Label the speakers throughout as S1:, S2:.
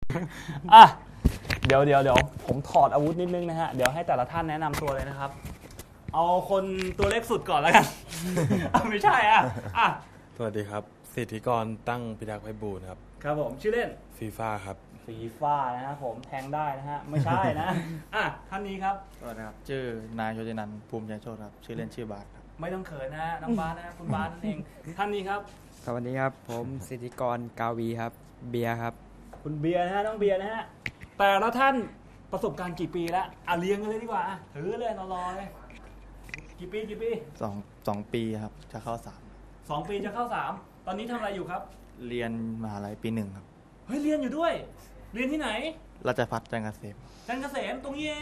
S1: อ่ะเดี๋ยวผมถอดอาวุธนิดนึงนะฮะเดี๋ยวให้แต่ละท่านแนะนำตัวเลยนะครับเอาคนตัวเล็กสุดก่อนแล้วกัน ไม่ใช่อ่ะ
S2: สวัสดีครับสิทธิกรตั้งพิทักษ์ไพบูลย์ครับ
S1: ครับผมชื่อเล่น
S2: ฟีฟ่าครับ
S1: ฟีฟ่านะฮะผมแทงได้นะฮะไม่ใช่นะ อ่ะท่านนี้ครับ
S3: สวัสดีครับชื่อนายโชตินันท์ภูมิใจโชติครับชื่อเล่นชื่อบาสครับ
S1: ไม่ต้องเขินนะฮะน้องบาสนะฮะคุณบาสนั่นเองท่านนี้ครับ
S4: สวัสดีครับผมสิทธิกรกาวีครับเบียร์ครับ
S1: คุณเบียร์นะฮะน้องเบียร์นะฮะแต่ละท่านประสบการณ์กี่ปีแล้วเรียงกันเลยดีกว่าถือเลยรอเลยกี่ปี
S3: สองปีครับจะเข้า
S1: 2 ปีจะเข้า3ตอนนี้ทำอะไรอยู่ครับ
S3: เรียนมหาลัยปี1ครับ
S1: เฮ้ยเรียนอยู่ด้วยเรียนที่ไหน
S3: ราชภัฏจันทร์เกษม
S1: ตรงนี้เอง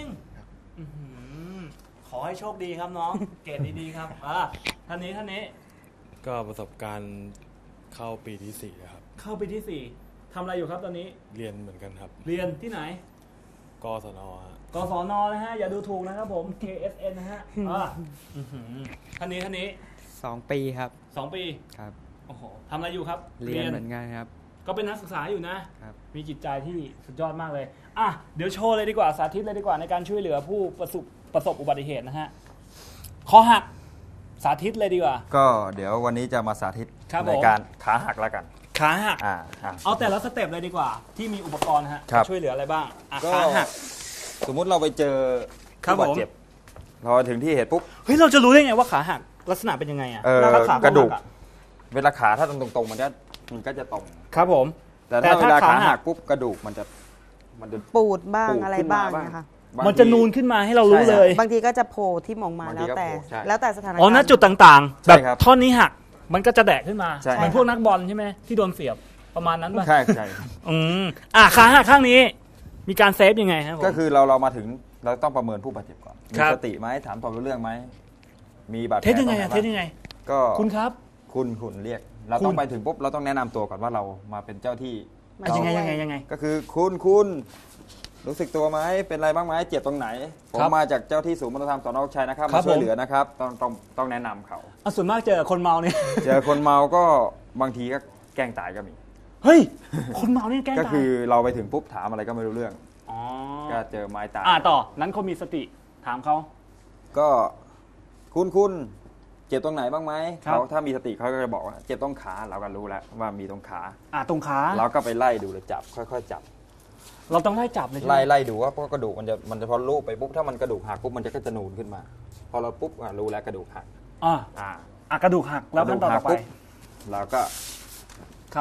S1: ขอให้โชคดีครับน้อง เกรดดีๆครับท่านนี้
S2: ก็ประสบการณ์เข้าปีที่4แล้วครับ
S1: เข้าปีที่4ทำอะไรอยู่ครับตอนนี้
S2: เรียนเหมือนกันครับ
S1: เรียนที่ไหน
S2: กศน
S1: กศนนะฮะอย่าดูถูกนะครับผม KSN นะฮะท่านนี้
S4: 2 ปีครับ
S1: 2 ปี
S4: ครับ
S1: โอ้โหทำอะไรอยู่ครับ
S4: เรียนเหมือนกันครับ
S1: ก็เป็นนักศึกษาอยู่นะครับมีจิตใจที่สุดยอดมากเลยเดี๋ยวโชว์เลยดีกว่าสาธิตเลยดีกว่าในการช่วยเหลือผู้ประสบอุบัติเหตุนะฮะคอหักสาธิตเลยดีกว่า
S5: ก็เดี๋ยววันนี้จะมาสาธิตในการขาหักแล้วกัน
S1: ขาหักเอาแต่ละสเต็ปเลยดีกว่าที่มีอุปกรณ์ฮะช่วยเหลืออะไรบ้างขาหัก
S5: สมมุติเราไปเจอผู้บาดเจ็บเราถึงที่เหตุปุ๊บ
S1: เฮ้ยเราจะรู้ได้ไงว่าขาหักลักษณะเป็นยังไง
S5: กระดูกเวลาขาถ้าตรงๆมันก็จะตรง
S1: ครับผม
S5: แต่ถ้าเวลาขาหักปุ๊บกระดูกมันจะ
S6: ปูดบ้างอะไรบ้างนะคะ
S1: มันจะนูนขึ้นมาให้เรารู้เลย
S6: บางทีก็จะโผล่ที่มองมาแล้วแต่สถานการณ์
S1: ณจุดต่างๆแบบท่อนนี้หักมันก็จะแดกขึ้นมาเหมือนพวกนักบอลใช่ไหมที่โดนเสียบประมาณนั้นป่ะ
S5: ใช่
S1: ขาหักข้างนี้มีการเซฟยังไงครับ
S5: ก็คือเรามาถึงเราต้องประเมินผู้บาดเจ็บก่อนมีสติไหมถามตอบรู้เรื่องไหมมีบาดแผล
S1: เทสยังไง
S5: ก็
S1: คุณครับ
S5: คุณเรียกเราต้องไปถึงปุ๊บเราต้องแนะนำตัวก่อนว่าเรามาเป็นเจ้าที่
S1: ยังไง
S5: ก็คือคุณรู้สึกตัวไหมเป็นอะไรบ้างไหมเจ็บตรงไหนผมมาจากเจ้าที่ศูนย์บรรเทาธรรมสน.โชคชัยนะครับมาช่วยเหลือนะครับต้องแนะนำเขา
S1: ส่วนมากเจอคนเมาเนี่ย
S5: เจอคนเมาก็บางทีก็แกล้งตายก็มี
S1: เฮ้ยคนเมาเนี่ยแกล้งตาย
S5: ก็คือเราไปถึงปุ๊บถามอะไรก็ไม่รู้เรื่องก็เจอไม้ตาย
S1: ต่อนั้นเขามีสติถามเขา
S5: ก็คุณเจ็บตรงไหนบ้างไหมเขาถ้ามีสติเขาก็จะบอกว่าเจ็บตรงขาเราก็รู้แล้วว่ามีตรงขา
S1: ตรงขา
S5: เราก็ไปไล่ดูเลยจับค่อยๆจับ
S1: เราต้องไล่จับเลย
S5: ไล่ดูว่าเพราะกระดูกมันจะพอลูบไปปุ๊บถ้ามันกระดูกหักปุ๊บมันจะก็จะนูนขึ้นมาพอเราปุ๊บรู้แล้วกระดูกหัก
S1: กระดูกหักแล้วขั้นตอนต่อไป
S5: เราก็
S1: ครับ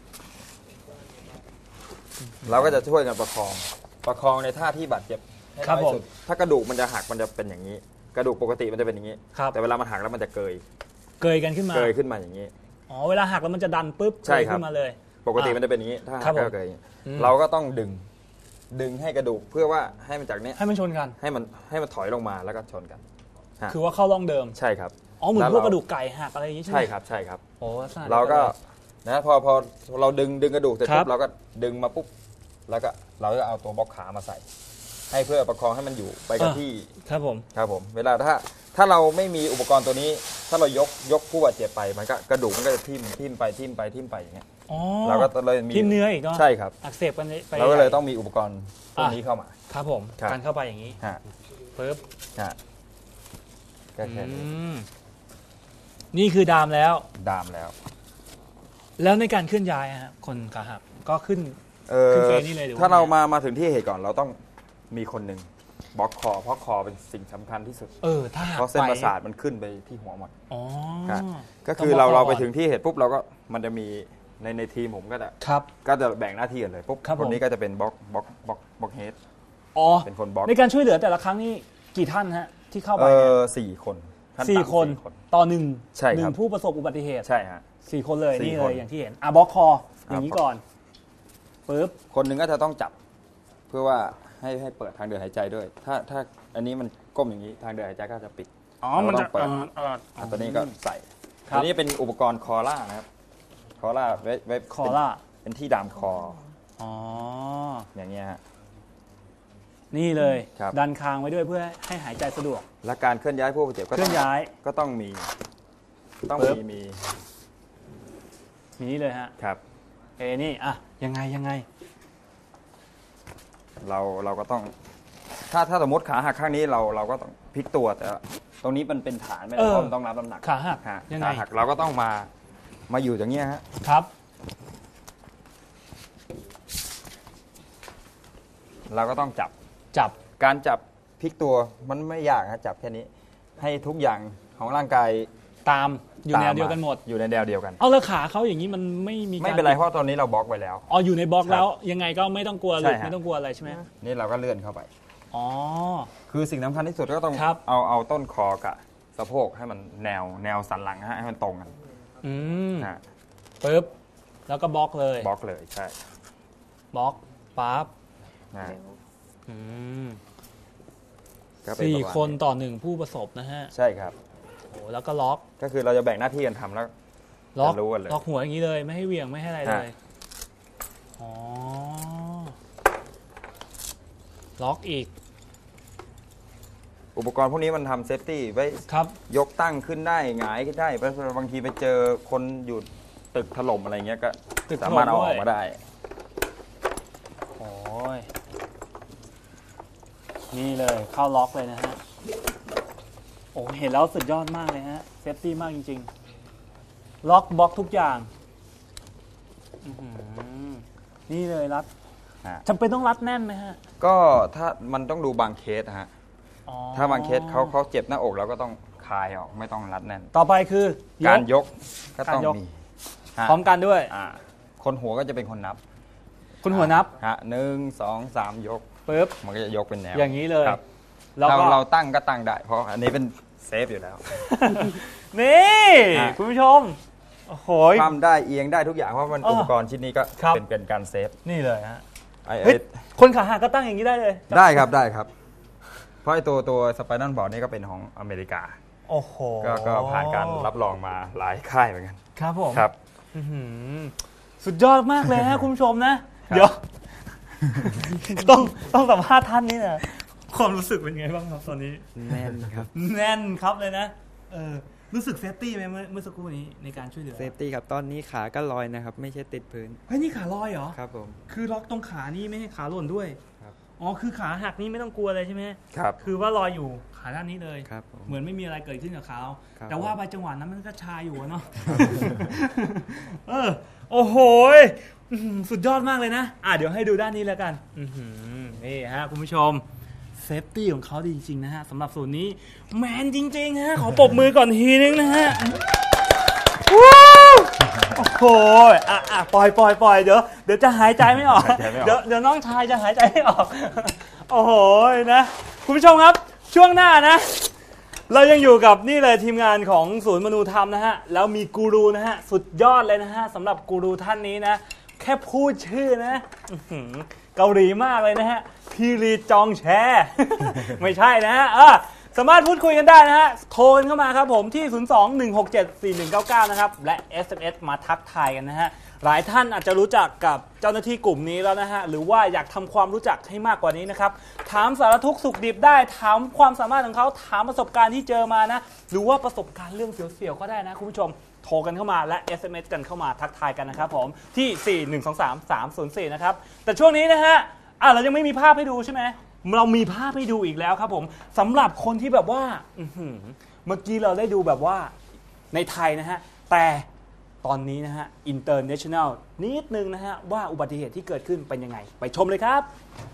S5: เราก็จะช่วยกันประคองในท่าที่บาดเจ็บให้น้อยสุดถ้ากระดูกมันจะหักมันจะเป็นอย่างนี้กระดูกปกติมันจะเป็นอย่างนี้แต่เวลามันหักแล้วมันจะเกย
S1: กันขึ้นมา
S5: อย่างนี้
S1: เวลาหักแล้วมันจะดันปุ๊บเกยขึ้นมาเลย
S5: ปกติมันจะเป็นอย่างนี้ถ้าหักก็เกยเราก็ต้องดึงให้กระดูกเพื่อว่าให้มันจากนี้
S1: ให้มันชนกัน
S5: ให้มันถอยลงมาแล้วก็ชนกัน
S1: คือว่าเข้าร่องเดิม
S5: ใช่ครับ
S1: เหมือนพวกกระดูกไก่หักอะไรอย่างนี้ใช่ไหม
S5: ใช่ครับเราก็นะพอเราดึงกระดูกเสร็จปุ๊บเราก็ดึงมาปุ๊บแล้วก็เราจะเอาตัวบล็อกขามาใส่ให้เพื่อประคองให้มันอยู่ไปกับที่
S1: ครับ
S5: ผมเวลาถ้าเราไม่มีอุปกรณ์ตัวนี้ถ้าเรายกผู้บาดเจ็บไปมันก็กระดูกมันก็จะทิ่มไปอย่างเงี้ยเราก็เลยมี
S1: ทิ่มเนื้ออีกเนาะ
S5: ใช่ครับ
S1: อักเสบกันไป
S5: เราก็เลยต้องมีอุปกรณ์ตัวนี้เข้ามา
S1: ครับผมการเข้าไปอย่างนี้ปึ๊บ
S5: ก็แค่
S1: นี่คือดามแล้ว
S5: แล้ว
S1: ในการเคลื่อนย้ายคนขาหักก็ขึ้นเฟซนี่เลย
S5: ถ้าเรามาถึงที่เหตุก่อนเราต้องมีคนหนึ่งบล็อกคอเพราะคอเป็นสิ่งสำคัญที่สุดเพราะเส้นประสาทมันขึ้นไปที่หัวหมดก็คือเราไปถึงที่เหตุปุ๊บเราก็มันจะมีในทีมผมก็จะแบ่งหน้าที่กันเลยปุ๊บคนนี้ก็จะเป็นบล็อกเฮดเป็นคนบล็อก
S1: ในการช่วยเหลือแต่ละครั้งนี่กี่ท่านฮะที่เข้าไป
S5: 4 คน
S1: ต่อ1ผู้ประสบอุบัติเหตุ
S5: ใช่ฮะ
S1: 4 คนเลยนี่เลยอย่างที่เห็นบล็อกคออย่างนี้ก่อนปึ๊บ
S5: คนหนึ่งก็จะต้องจับเพื่อว่าให้เปิดทางเดินหายใจด้วยถ้าอันนี้มันก้มอย่างนี้ทางเดินหายใจก็จะปิด
S1: มันจะเปิด
S5: ตัวนี้ก็ใส่ตัวนี้เป็นอุปกรณ์คอล่านะครับคอล่าไว้
S1: คอล่า
S5: เป็นที่ดามคออย่างเงี้ยฮะ
S1: นี่เลยดันคางไว้ด้วยเพื่อให้หายใจสะดวก
S5: และการเคลื่อนย้ายผู้บาดเจ็บก็ต้องมี
S1: นี่เลยฮะ
S5: ครับ
S1: นี่ยังไง
S5: เราก็ต้องถ้าสมมติขาหักข้างนี้เราก็ต้องพลิกตัวแต่ตรงนี้มันเป็นฐานไม่ได้เพราะมันต้องรับน้ำหนัก
S1: ขาหักยังไง
S5: ขาหักเราก็ต้องมาอยู่อย่างเงี้ยฮะ
S1: ครับ
S5: เราก็ต้องจับการจับพลิกตัวมันไม่ยากฮะจับแค่นี้ให้ทุกอย่างของร่างกาย
S1: ตามอยู่แนวเดียวกันหมด
S5: อยู่ในแนวเดียวกัน
S1: เอาแล้วขาเขาอย่างนี้มันไม่
S5: เป็นไรเพราะตอนนี้เราบล็อกไว้แล้ว
S1: อ๋ออยู่ในบล็อกแล้วยังไงก็ไม่ต้องกลัวหลุดไม่ต้องกลัวอะไรใช่ไหม
S5: นี่เราก็เลื่อนเข้าไป
S1: อ๋อ
S5: คือสิ่งสำคัญที่สุดก็ต้องเอาต้นคอกับสะโพกให้มันแนวสันหลังให้มันตรงกัน
S1: ปึ๊บแล้วก็บล็อกเลย
S5: ใช่
S1: บล็อกปั๊บ4 คนต่อ1ผู้ประสบนะฮะ
S5: ใช่ครับ
S1: โอ้แล้วก็ล็อก
S5: ก็คือเราจะแบ่งหน้าที่กันทำแล้ว
S1: ล็อกหัวอย่างนี้เลยไม่ให้เหวี่ยงไม่ให้อะไรเลยอ๋อล็อกอีก
S5: อุปกรณ์พวกนี้มันทำเซฟตี้ไว้ยกตั้งขึ้นได้หงายขึ้นได้บางทีไปเจอคนอยู่ตึกถล่มอะไรเงี้ยก็สามารถเอาออกมาได้
S1: โอ้ยนี่เลยเข้าล็อกเลยนะฮะโอ้เห็นแล้วสุดยอดมากเลยฮะเซฟตี้มากจริงๆล็อกบล็อกทุกอย่างนี่เลยรัดจำเป็นต้องรัดแน่นไหมฮะ
S5: ก็ถ้ามันต้องดูบางเคสฮะถ้าบางเคสเขาเจ็บหน้าอกเราก็ต้องคลายออกไม่ต้องรัดแน่น
S1: ต่อไปคือ
S5: การยกก็ต้องมี
S1: พร้อมกันด้วย
S5: คนหัวก็จะเป็นคนนับ
S1: คุณหัวนับ
S5: 1 2 3ยก
S1: ปึ๊บ
S5: มันก็จะยกเป็นแนว
S1: อย่างนี้เลย
S5: เราตั้งก็ตั้งได้เพราะอันนี้เป็นเซฟอยู่แล้ว
S1: นี่คุณผู้ชมโอ้โห
S5: คว่ำได้เอียงได้ทุกอย่างเพราะมันอุปกรณ์ชิ้นนี้ก็เป็นการเซฟ
S1: นี่เลยฮะคนขาหักก็ตั้งอย่างนี้ได้เลย
S5: ได้ครับเพราะไอ้ตัวสไปนัลบอร์ดนี่ก็เป็นของอเมริกา
S1: โอ้โห
S5: ก็ผ่านการรับรองมาหลายค่ายเหมือนกัน
S1: ครับผม
S5: ครับ
S1: สุดยอดมากเลยฮะคุณผู้ชมนะเดี๋ยวต้องสัมภาษณ์ท่านนี่นะความรู้สึกเป็นไงบ้างครับตอนนี้
S4: แน่นครับ
S1: แน่นครับเลยนะรู้สึกเซฟตี้ไหมเมื่อสักครู่นี้ในการช่วยเหลือ
S4: เซฟตี้ครับตอนนี้ขาก็ลอยนะครับไม่ใช่ติดพื้น
S1: เฮ้ยนี่ขาลอยเหรอ
S4: ครับผม
S1: คือล็อกตรงขานี่ไม่ให้ขาหล่นด้วย
S4: ครับ
S1: อ๋อคือขาหักนี่ไม่ต้องกลัวเลยใช่ไหม
S5: ครับ
S1: คือว่าลอยอยู่ขาด้านนี้เลย
S4: ครับ
S1: เหมือนไม่มีอะไรเกิดขึ้นกับเขาแต่ว่าไปจังหวะนั้นมันก็ชาอยู่เนาะโอ้โหสุดยอดมากเลยนะเดี๋ยวให้ดูด้านนี้แล้วกันนี่ฮะคุณผู้ชมเซฟตี้ของเขาดีจริงๆนะฮะสำหรับส่วนนี้แมนจริงๆฮะขอปรบมือก่อนทีนึงนะฮะโอ้โหปล่อยเดี๋ยวจะหายใจไม่ออกเดี๋ยวน้องชายจะหายใจไม่ออกโอ้โหนะคุณผู้ชมครับช่วงหน้านะเรายังอยู่กับนี่เลยทีมงานของศูนย์มนูธรรมนะฮะแล้วมีกูรูนะฮะสุดยอดเลยนะฮะสำหรับกูรูท่านนี้นะแค่พูดชื่อนะเกาหลีมากเลยนะฮะพีรีจองแชไม่ใช่นะฮะสามารถพูดคุยกันได้นะฮะโทรกันเข้ามาครับผมที่ 02-167-4199 นะครับและ SMS มาทักทายกันนะฮะหลายท่านอาจจะรู้จักกับเจ้าหน้าที่กลุ่มนี้แล้วนะฮะหรือว่าอยากทำความรู้จักให้มากกว่านี้นะครับถามสารทุกข์สุขดิบได้ถามความสามารถของเขาถามประสบการณ์ที่เจอมานะหรือว่าประสบการณ์เรื่องเสียวๆก็ได้นะคุณผู้ชมโทรกันเข้ามาและ SMS กันเข้ามาทักทายกันนะครับผมที่ 4123304 นะครับแต่ช่วงนี้นะฮะเรายังไม่มีภาพให้ดูใช่ไหมเรามีภาพให้ดูอีกแล้วครับผมสำหรับคนที่แบบว่าเมื่อกี้เราได้ดูแบบว่าในไทยนะฮะแต่ตอนนี้นะฮะ international นิดนึงนะฮะว่าอุบัติเหตุที่เกิดขึ้นเป็นยังไงไปชมเลยครับ